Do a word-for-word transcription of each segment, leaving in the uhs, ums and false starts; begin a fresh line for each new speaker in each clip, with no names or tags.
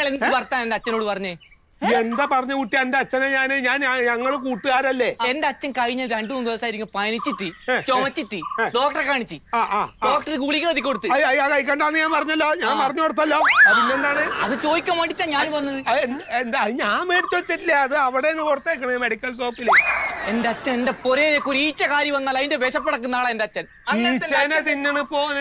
ഇന്നലെ എന്ത് വർത്താനം എന്റെ അച്ഛനോട് പറഞ്ഞേ?
എന്താ പറഞ്ഞ കുട്ടി? എന്റെ അച്ഛനെ ഞാന് ഞാൻ ഞങ്ങള് കൂട്ടുകാരല്ലേ.
എന്റെ അച്ഛൻ കഴിഞ്ഞ രണ്ടു മൂന്ന് ദിവസമായിരിക്കും പനിച്ചിട്ട് ചുമച്ചിട്ട് ഡോക്ടറെ കാണിച്ച് ഡോക്ടർ ഗുളിക എഴുതി കൊടുത്ത്.
കഴിക്കണ്ടെന്ന് ഞാൻ പറഞ്ഞല്ലോ, ഞാൻ പറഞ്ഞു കൊടുത്തല്ലോ. പിന്നെന്താണ്?
അത് ചോദിക്കാൻ വേണ്ടിട്ടാ ഞാൻ വന്നത്.
എന്താ ഞാൻ മേടിച്ചു വെച്ചിട്ടില്ല, അത് അവിടെ കൊടുത്തേക്കണേ മെഡിക്കൽ ഷോപ്പില്.
എന്റെ അച്ഛൻ എന്റെ പൊരയിലേക്ക് ഒരു ഈച്ച കാരി വന്നാൽ അതിന്റെ വിശപ്പടക്കുന്ന ആളെ എന്റെ അച്ഛൻ.
ഈച്ചനെ തിന്നണ് പോനെ.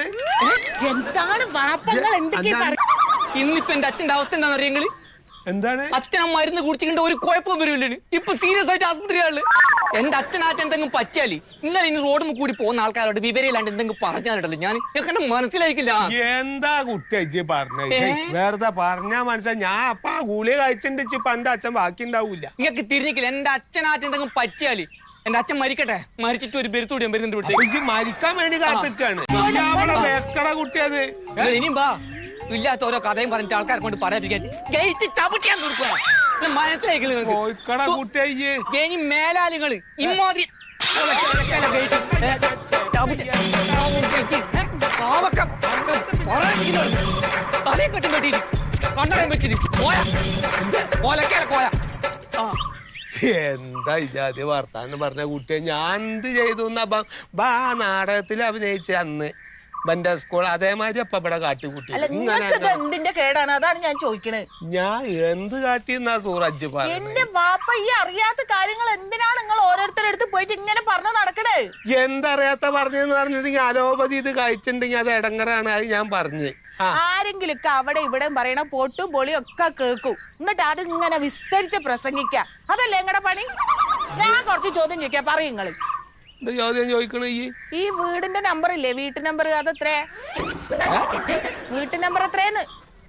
ഇന്നിപ്പോ എന്റെ അച്ഛന്റെ അവസ്ഥ എന്താണെന്ന് അറിയങ്ങള്?
എന്താണ്?
അച്ഛൻ മരുന്ന് കുടിച്ചിട്ട് ഒരു കുഴപ്പം വരില്ലേ? ഇപ്പൊ സീരിയസ് ആയിട്ട് ആസ്പത്രിയാണ്. എന്റെ അച്ഛനാറ്റ എന്തെങ്കിലും പറ്റിയാല് ഇന്നലെ ഇനി റോഡിൽ കൂടി പോകുന്ന ആൾക്കാരോട് വിവരമില്ലാണ്ട് എന്തെങ്കിലും പറഞ്ഞാലുണ്ടല്ലോ ഞാൻ എന്നെ മനസ്സിലാക്കില്ല.
എന്താ കുട്ടി പറഞ്ഞ? വേറെ പറഞ്ഞാ മനസ്സിലായി. ഞാൻ അപ്പ ആ ഗുളിക കഴിച്ചിട്ട് ഇപ്പൊ എന്റെ അച്ഛൻ ബാക്കി ഉണ്ടാവൂല.
നിങ്ങൾക്ക് തിരിഞ്ഞിക്കില്ല. എന്റെ അച്ഛനാറ്റ എന്തെങ്കിലും പറ്റിയാല് എന്റെ അച്ഛൻ മരിക്കട്ടെ, മരിച്ചിട്ട് ഒരു ബെരുത്തൂടി വരുന്നുണ്ട് ഇവിടുത്തെ.
മരിക്കാൻ വേണ്ടി കാത്തിക്കാണ് കുട്ടിയത്.
ഇനിയും ബാ ഇല്ലാത്ത ഓരോ കഥയും പറഞ്ഞിട്ട് ആൾക്കാരെ കൊണ്ട് പറയാതിരിക്കാൻ ഗേറ്റ് ചവിട്ടിയാൻ കൊടുക്കുക. മനസ്സിലാക്കി മേലാലുകള് ഇമ്മാതിരി തലയെ കെട്ടും കെട്ടിട്ട് കണ്ണടം വെച്ചിട്ട് പോയാ പോലക്കാല പോയാ.
എന്താ ഇജാതി വർത്താനം പറഞ്ഞ കുട്ടിയെ ഞാൻ എന്ത് ചെയ്തു? ബാ നാടകത്തിൽ അഭിനയിച്ച അന്ന് ബന്റെ സ്കൂൾ അതേമാതിരി അപ്പൊ ഇവിടെ കാട്ടിക്കൂട്ടി.
എന്തിന്റെ കേടാണ്? അതാണ് ഞാൻ ചോദിക്കണത്.
ഞാൻ എന്ത് കാട്ടിന്നാ സൂറജ് പറഞ്ഞു?
എന്റെ വാപ്പ ഈ അറിയാത്ത കാര്യങ്ങൾ എന്തിനാണ് നിങ്ങൾ ഓരോരുത്തരടുത്ത് പോയിട്ട് ഇങ്ങനെ പറഞ്ഞു നടക്കണേ?
എന്തറിയാത്ത പറഞ്ഞെന്ന് പറഞ്ഞിട്ടുണ്ടെങ്കിൽ അലോപതി ഇത് കഴിച്ചിട്ടുണ്ടെങ്കിൽ അത് ഇടങ്ങറാണ്. അത് ഞാൻ പറഞ്ഞു.
ആരെങ്കിലും ഒക്കെ അവിടെ ഇവിടെ പറയണ പൊട്ടും പൊളിയും ഒക്കെ കേൾക്കും, എന്നിട്ട് അത് ഇങ്ങനെ വിസ്തരിച്ച് പ്രസംഗിക്ക. അതല്ലേ നിങ്ങളുടെ പണി? ഞാൻ കുറച്ച് ചോദ്യം ചോദിക്കാം, പറയും നിങ്ങള്.
ചോദ്യം ചോദിക്കണ
ഈ വീടിന്റെ നമ്പർ ഇല്ലേ, വീട്ടു നമ്പർ, അതെത്രേ? വീട്ടു നമ്പർ എത്രേന്ന്?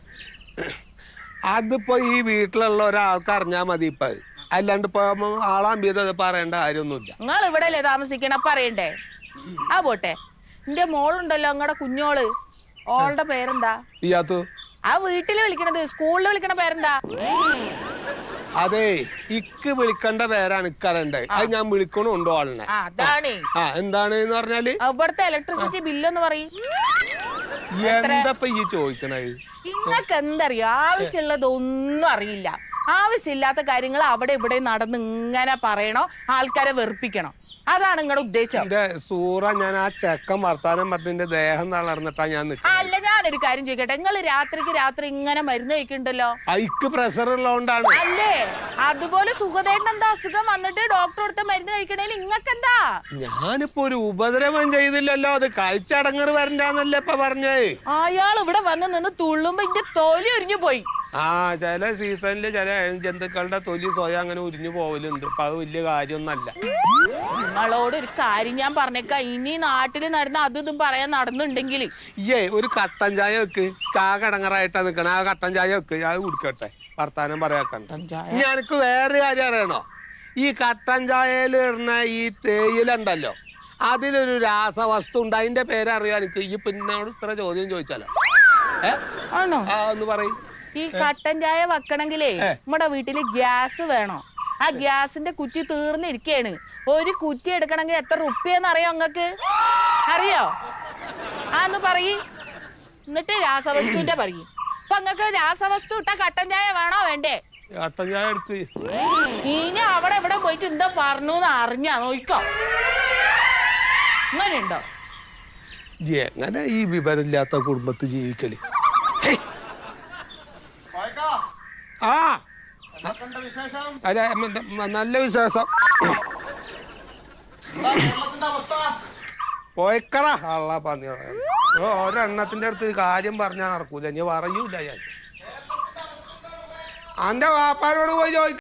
അതിപ്പോ ഈ വീട്ടിലുള്ള ഒരാൾക്ക് അറിഞ്ഞാ മതി. ഇപ്പൊ അല്ലാണ്ട് ഇപ്പൊ ആളാമ്പിയത് പറയേണ്ട കാര്യമൊന്നുമില്ല.
നിങ്ങൾ ഇവിടെ അല്ലേ താമസിക്കണ, പറയണ്ടേ? ആ പോട്ടെ, എന്റെ മോളുണ്ടല്ലോ നിങ്ങളുടെ കുഞ്ഞോള്, ഓളുടെ പേരെന്താ?
ഇയാത്തു.
ആ വീട്ടില് വിളിക്കണത്, സ്കൂളിൽ വിളിക്കണ പേരെന്താ?
അതെ, ഇക്ക് വിളിക്കേണ്ട പേരാണ് ഇക്കറിയണ്ടേ. അത് ഞാൻ വിളിക്കണുണ്ടോ ആളിനെ?
അതാണ്.
ആ എന്താണ് എന്ന് പറഞ്ഞാല്
ഇവിടുത്തെ ഇലക്ട്രിസിറ്റി ബില്ലെന്ന് പറയും.
എന്താ ഈ ചോദിക്കണത്?
ഇങ്ങക്ക് എന്തറിയോ? ആവശ്യമുള്ളതൊന്നും അറിയില്ല. ആവശ്യമില്ലാത്ത കാര്യങ്ങൾ അവിടെ ഇവിടെ നടന്ന് ഇങ്ങനെ പറയണോ, ആൾക്കാരെ വെറുപ്പിക്കണോ? അതാണ് നിങ്ങളുടെ ഉദ്ദേശം.
എന്റെ സൂറ, ഞാൻ ആ ചെക്കൻ വർത്താനം പറഞ്ഞ ദേഹം തളർന്നിട്ടാ ഞാൻ നിൽക്കുന്നത്.
അല്ല, ഞാനൊരു കാര്യം ചോദിക്കട്ടെ, നിങ്ങൾ രാത്രിക്ക് രാത്രി ഇങ്ങനെ മരുന്ന് കഴിക്കുന്നുണ്ടല്ലോ,
ഐക്ക് പ്രഷർ ഉള്ളതുകൊണ്ടാണ്
അല്ലേ? അതുപോലെ സുഖദേട്ടൻ എന്താ അസുഖം വന്നിട്ട് ഡോക്ടർ കൊടുത്ത മരുന്ന് കഴിക്കണേൽ ഇങ്ങക്ക് എന്താ?
ഞാനിപ്പോ ഒരു ഉപദ്രവം ചെയ്തില്ലല്ലോ, അത് കഴിച്ചടങ്ങറ് വരണ്ടാന്നല്ലേ ഇപ്പൊ പറഞ്ഞേ.
അയാൾ ഇവിടെ വന്ന് നിന്ന് തുള്ളുമ്പോ ഇന്റെ തൊലി ഉരിഞ്ഞു പോയി.
ആ ചില സീസണില് ചില ജന്തുക്കളുടെ തൊലി സ്വയം അങ്ങനെ ഉരിഞ്ഞു പോവലുണ്ട്. അപ്പൊ അത് വലിയ കാര്യമൊന്നല്ല.
നിങ്ങളോട് ഒരു കാര്യം ഞാൻ പറഞ്ഞേക്കാം, ഇനി നാട്ടില് നടന്ന അതും ഇതും പറയാൻ നടന്നുണ്ടെങ്കിൽ
ഏ ഒരു കട്ടൻ ചായ വെക്ക്. കാ കടങ്ങറായിട്ടാ നിക്കണ, ആ കട്ടൻ ചായ വെക്ക്, ഞാൻ കുടിക്കട്ടെ, വർത്താനം പറയാക്കണ്ട. ഞാനക്ക് വേറെ കാര്യം അറിയണോ? ഈ കട്ടൻ ചായയിൽ ഇടുന്ന ഈ തേയിലുണ്ടല്ലോ, അതിലൊരു രാസവസ്തു ഉണ്ട്. അതിന്റെ പേരറിയാൻ എനിക്ക്. ഈ പിന്നോട് ഇത്ര ചോദ്യം ചോദിച്ചാലോ? ഏ
ആണോ?
ആ ഒന്ന് പറയും.
ഈ കട്ടൻ ചായ വെക്കണെങ്കിലേ നമ്മുടെ വീട്ടില് ഗ്യാസ് വേണോ? ആ ഗ്യാസിന്റെ കുറ്റി തീർന്നിരിക്കയാണ്. ഒരു കുറ്റി എടുക്കണമെങ്കിൽ എത്ര റുപ്യെന്ന് അറിയോ നിങ്ങക്ക്? അറിയോ? ആന്ന് പറയ്. എന്നിട്ട് രാസവസ്തുവിന്റെ പറയും. അപ്പൊ നിങ്ങക്ക് രാസവസ്തു ഇട്ട കട്ടൻ ചായ വേണോ വേണ്ടേ?
കട്ടൻ ചായ എടുക്ക്.
ഇനി അവിടെ ഇവിടെ പോയിട്ട് എന്താ പറഞ്ഞു അറിഞ്ഞാ നോക്കോ? അങ്ങനെയുണ്ടോ?
എങ്ങനെ ഈ വിവരമില്ലാത്ത കുടുംബത്ത് ജീവിക്കല്? ആ അല്ല, നല്ല വിശ്വാസം. പോയിക്കടാ അള്ള പന്നി. ഒരെണ്ണത്തിന്റെ അടുത്ത് കാര്യം പറഞ്ഞാൽ നടക്കൂല, ഞാൻ പറയൂല. ഞാൻ അന്റെ വാപ്പാരോട് പോയി ചോദിക്കും.